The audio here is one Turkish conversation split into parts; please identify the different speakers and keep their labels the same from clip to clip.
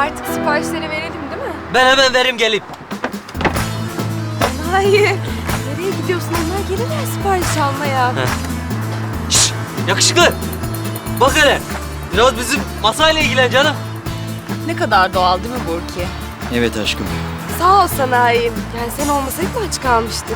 Speaker 1: Artık siparişleri verelim değil mi?
Speaker 2: Ben hemen vereyim gelip.
Speaker 1: Hayır. Nereye gidiyorsun? Onlar gelirler sipariş almaya.
Speaker 2: Şşş, yakışıklı. Bak hele. Biraz bizim masayla ilgilen canım.
Speaker 3: Ne kadar doğal değil mi Burki?
Speaker 4: Evet aşkım.
Speaker 1: Sağ ol sanayim. Yani sen olmasaydın aç kalmıştık.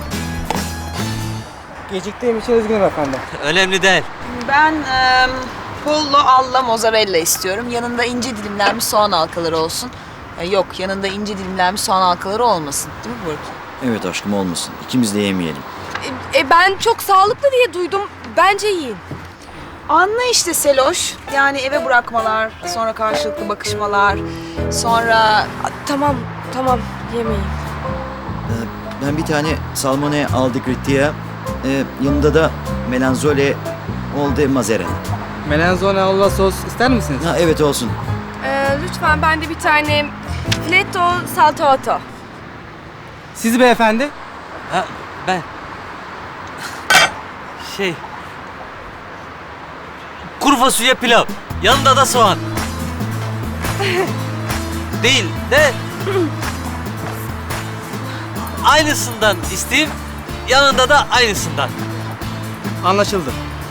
Speaker 5: Geciktiğim için üzgünüm efendim.
Speaker 2: Önemli değil.
Speaker 3: Ben pollo alla mozzarella istiyorum. Yanında ince dilimlenmiş soğan halkaları olsun. Yok, yanında ince dilimlenmiş soğan halkaları olmasın. Değil mi Burki?
Speaker 4: Evet aşkım olmasın. İkimiz de yemeyelim.
Speaker 1: Ben çok sağlıklı diye duydum. Bence yiyin.
Speaker 3: Anla işte Seloş. Yani eve bırakmalar, sonra karşılıklı bakışmalar, sonra...
Speaker 1: Tamam, tamam. Yemeyin.
Speaker 4: Ben bir tane salmone al di grittia. Yanında da melanzole ol de mozzarella.
Speaker 5: Melanzone alla sos ister misiniz?
Speaker 4: Ha evet olsun.
Speaker 1: Lütfen ben de bir tane filetto saltato.
Speaker 5: Siz beyefendi?
Speaker 2: Ha, ben. Kuru fasulye pilav. Yanında da soğan. Değil de... aynısından isteyeyim. Yanında da aynısından.
Speaker 5: Anlaşıldı.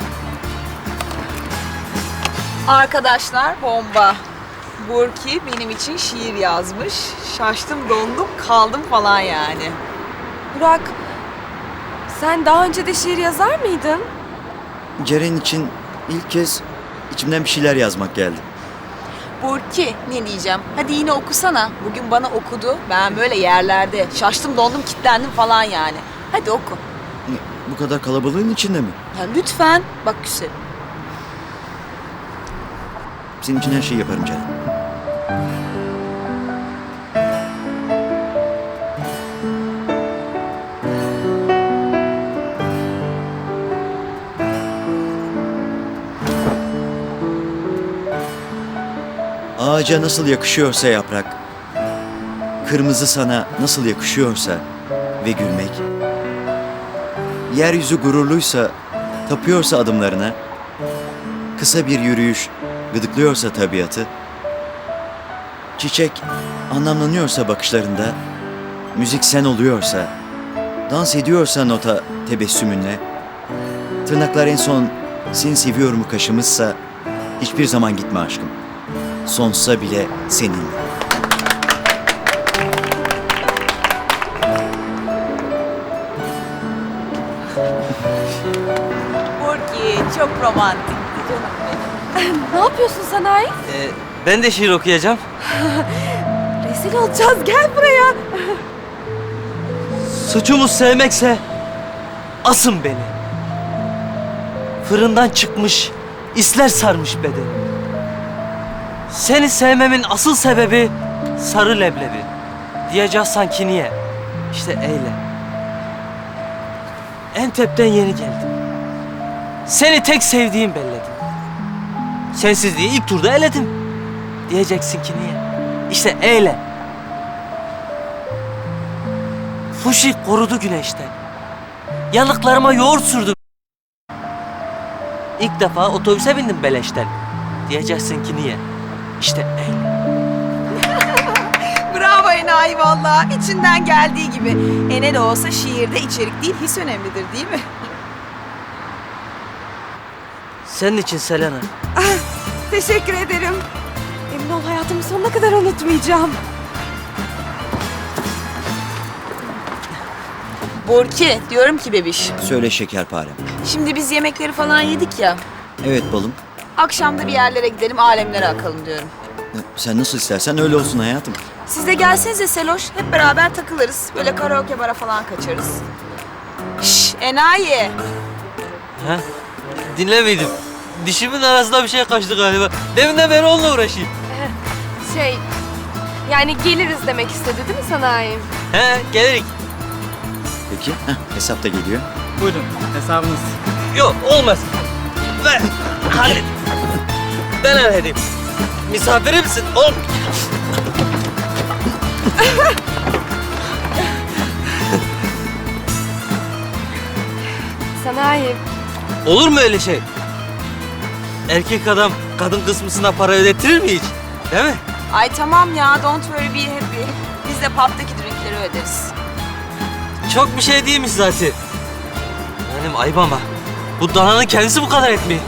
Speaker 3: Arkadaşlar bomba. Burki benim için şiir yazmış. Şaştım, dondum, kaldım falan yani.
Speaker 1: Burak, sen daha önce de şiir yazar mıydın?
Speaker 4: Ceren için ilk kez içimden bir şeyler yazmak geldi.
Speaker 3: Burki ne diyeceğim? Hadi yine okusana. Bugün bana okudu. Ben böyle yerlerde şaştım, dondum, kilitlendim falan yani. Hadi oku.
Speaker 4: Bu kadar kalabalığın içinde mi?
Speaker 3: Ya lütfen. Bak güzelim.
Speaker 4: Senin için her şeyi yaparım Ceren. Ağaca nasıl yakışıyorsa yaprak, kırmızı sana nasıl yakışıyorsa ve gülmek, yeryüzü gururluysa, tapıyorsa adımlarına, kısa bir yürüyüş gıdıklıyorsa tabiatı, çiçek anlamlanıyorsa bakışlarında, müzik sen oluyorsa, dans ediyorsa nota tebessümünle, tırnaklar en son seni seviyorumu kaşımışsa, hiçbir zaman gitme aşkım. Sonsuza bile senin.
Speaker 3: Burki çok romantikti canım benim.
Speaker 1: Ne yapıyorsun sanayi?
Speaker 2: Ben de şiir okuyacağım.
Speaker 1: Rezil olacağız. Gel buraya.
Speaker 2: Suçumuz sevmekse asın beni. Fırından çıkmış, isler sarmış bedeni. Seni sevmemin asıl sebebi sarı leblebi. Diyeceğiz sanki niye? İşte eyle. Entep'ten yeni geldim. Seni tek sevdiğim belledim. Sensizliği ilk turda eledim. Diyeceksin ki niye? İşte eyle. Fuşi korudu güneşten. Yanıklarıma yoğurt sürdüm. İlk defa otobüse bindim beleşten. Diyeceksin ki niye? İşte eyle.
Speaker 3: Bravo enayi valla. İçinden geldiği gibi. Ne de olsa şiirde içerik değil, his önemlidir değil mi?
Speaker 2: Senin için Selena.
Speaker 1: Teşekkür ederim. Emin ol hayatımın sonuna kadar unutmayacağım.
Speaker 3: Burki diyorum ki bebiş.
Speaker 4: Söyle şekerparem.
Speaker 3: Şimdi biz yemekleri falan yedik ya.
Speaker 4: Evet balım.
Speaker 3: Akşam da bir yerlere gidelim, alemlere akalım diyorum.
Speaker 4: Sen nasıl istersen öyle olsun hayatım.
Speaker 3: Siz de gelsenize Seloş. Hep beraber takılırız. Böyle karaoke bara falan kaçarız. Şşş enayi.
Speaker 2: Ha? Dinlemeydim. Dişimin arasında bir şey kaçtı galiba. Deminden beri onunla uğraşayım.
Speaker 1: Yani geliriz demek istedi değil mi sanayi?
Speaker 2: He, gelirik.
Speaker 4: Peki. Hesap da geliyor.
Speaker 5: Buyurun hesabınız.
Speaker 2: Yok, olmaz. Ver, hallet. Ben halledeyim. Misafirimsin, ol.
Speaker 1: Sanayi.
Speaker 2: Olur mu öyle şey? Erkek adam kadın kısmısına para ödettirir mi hiç? Değil mi?
Speaker 3: Ay tamam ya, don't worry, be happy. Biz de pub'daki drinkleri öderiz.
Speaker 2: Çok bir şey değilmiş zaten. Benim ayıp ama. Bu dananın kendisi bu kadar etmiyor.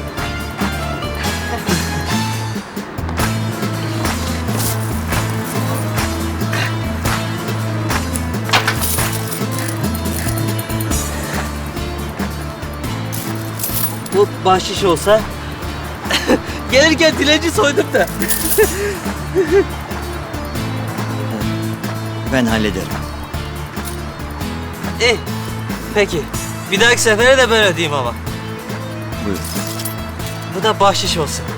Speaker 2: Bu bahşiş olsa gelirken dilenci soydum da.
Speaker 4: Ben hallederim.
Speaker 2: İyi. Peki. Bir dahaki sefere de böyle diyeyim ama.
Speaker 4: Buyur.
Speaker 2: Bu da bahşiş olsun.